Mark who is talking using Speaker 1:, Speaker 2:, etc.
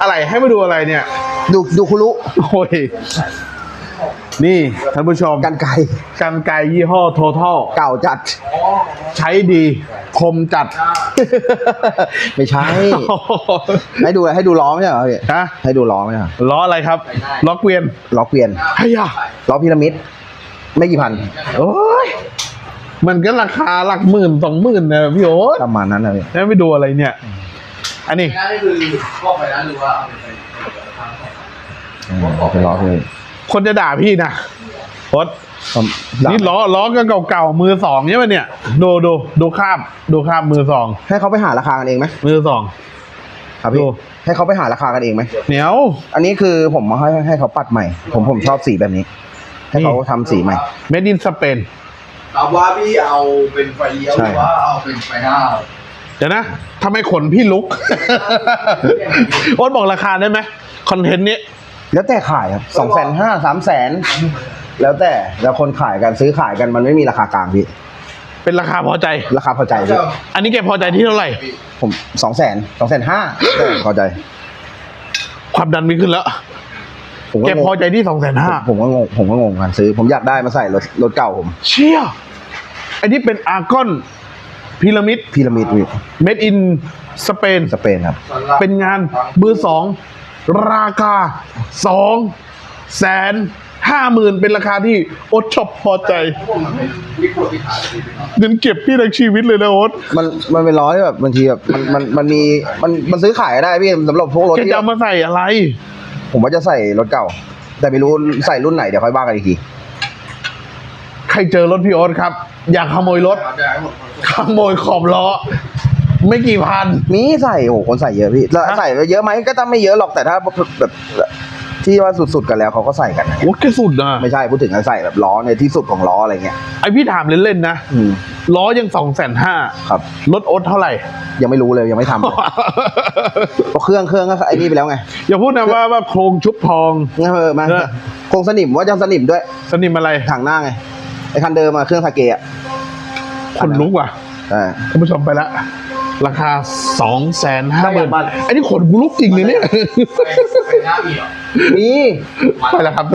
Speaker 1: อะไรให้มาดูอะไรเนี่ย
Speaker 2: ดูคุรุ
Speaker 1: โอ้ยนี่ท่านผู้ชม
Speaker 2: กันไกร
Speaker 1: กันไกรยี่ห้อ Total
Speaker 2: เก่าจัด
Speaker 1: ใช้ดีคมจัด
Speaker 2: ไม่ใช่ ให้ดูล้อไม่ใช่เหรอพี่
Speaker 1: ฮะ
Speaker 2: ให้ดูล้อไม่ใช่เหรอ
Speaker 1: ล้ออะไรครับล้อเกวียน
Speaker 2: ล้อเกวียน
Speaker 1: ไอ้ยา
Speaker 2: ล้อพีระมิดไม่กี่พัน
Speaker 1: โอ้ยมันก็ราคาหลักหมื่น20,000นะพี่โอ๊ต
Speaker 2: ประมาณนั้นนะพี่
Speaker 1: แล้วไปดูอะไรเนี่ย อันนี้
Speaker 3: นี่คือพวกไปแล้วหรือว่าเอาไป
Speaker 2: เป็นล้อพี่
Speaker 1: คนจะด่าพี่นะโอ๊ตนี่ล้อกันเก่าๆมือสองใช่ไหมเนี่ยดูคราบมือสอง
Speaker 2: ให้เขาไปหาราคากันเองไหม
Speaker 1: มือสอง
Speaker 2: ครับพี่
Speaker 1: ดู
Speaker 2: ให้เขาไปหาราคากันเองไหม
Speaker 1: เหนียว
Speaker 2: อันนี้คือผมมาให้เขาปัดใหม่ ผมชอบสีแบบนี้ ให้เขาทำสีใหม่
Speaker 1: Made in Spain
Speaker 3: ถามว่าพี่เอาเป็นไฟเลี้ยวหรือว่าเอาเป็นไฟหน้า
Speaker 1: เดี๋ยวนะทำไมขนพี่ลุก โอ๊ตบอกราคาได้ไหมคอนเทนต์นี้
Speaker 2: แล้วแต่ขายครับ250,000 300,000แล้วแต่แล้วคนขายกันซื้อขายกันมันไม่มีราคากลางพี่
Speaker 1: เป็นราคาพอใจ
Speaker 2: ราคาพอใจพี่
Speaker 1: อันนี้แกพอใจที่เท่าไหร่
Speaker 2: ผม250,000 พอใจ
Speaker 1: ความดันไม่ขึ้นแล้ว
Speaker 2: ผม
Speaker 1: แก
Speaker 2: ก็ง
Speaker 1: พอง ใจที่250,000
Speaker 2: ผมก็งงกันซื้อ ผมอยากได้มาใส่รถเก่าผม
Speaker 1: เชี่ยอันนี้เป็นอาร์กอนพีระมิด
Speaker 2: พีระมิดพี่
Speaker 1: Made in Spain
Speaker 2: สเปนครับ
Speaker 1: เป็นงานมือสองราคา250,000เป็นราคาที่โอ๊ตชอบพอใจ
Speaker 3: วิกฤตพิธา
Speaker 1: เงินเก็บพี่ทั้งชีวิตเลยนะโอ๊ต
Speaker 2: มันเป็นล้อที่แบบบางทีแบบมันมีมันซื้อขายได้พี่สำหรับพวกรถ
Speaker 1: แก
Speaker 2: ที่
Speaker 1: จะเอามาใส่อะไร
Speaker 2: ผมว่าจะใส่รถเก่า แต่ไม่รู้ใส่รุ่นไหนเดี๋ยวค่อยว่ากันอีกที
Speaker 1: ใครเจอรถพี่โอ๊ตครับ อยากขโมยรถ ขโมยขอบล้อ ไม่กี่พัน
Speaker 2: มีใส่โอ้โหคนใส่เยอะพี่แล้ว
Speaker 1: ฮะ
Speaker 2: ใส่เยอะไหมก็ต้องไม่เยอะหรอกแต่ถ้าแบบที่ว่าสุดๆกันแล้วเขาก็ใส่กัน
Speaker 1: โอ้แกสุดนะ
Speaker 2: ไม่ใช่พูดถึงใส่แบบล้อในที่สุดของล้ออะไรเงี้ย
Speaker 1: ไอพี่ถามเล่นๆนะ
Speaker 2: อืม
Speaker 1: ล้อยัง250,000
Speaker 2: ครับ
Speaker 1: รถโอ๊ตเท่าไหร่
Speaker 2: ยังไม่รู้เลยยังไม่ทำเลย เพราะเครื่องก็ไอ้นี่ไปแล้วไง
Speaker 1: อย่าพูดนะว่าโครงชุบทอง
Speaker 2: งั้นมา
Speaker 1: เออ
Speaker 2: โครงสนิมว่าจะสนิมด้วย
Speaker 1: สนิมอะไร
Speaker 2: ถังหน้าไงไอ้คันเดิมเครื่องสาเกะ
Speaker 1: คนลุกว่ะ
Speaker 2: ใช่
Speaker 1: ท่านผู้ชมไปแล้วราคา
Speaker 2: ได้อย่างบ้าน
Speaker 1: 250,000อันนี้ขนกูลุกจริงเลยเนี่ย
Speaker 3: ไฟหน้ามีเหรอ
Speaker 2: มี
Speaker 1: ไปแล้วครับ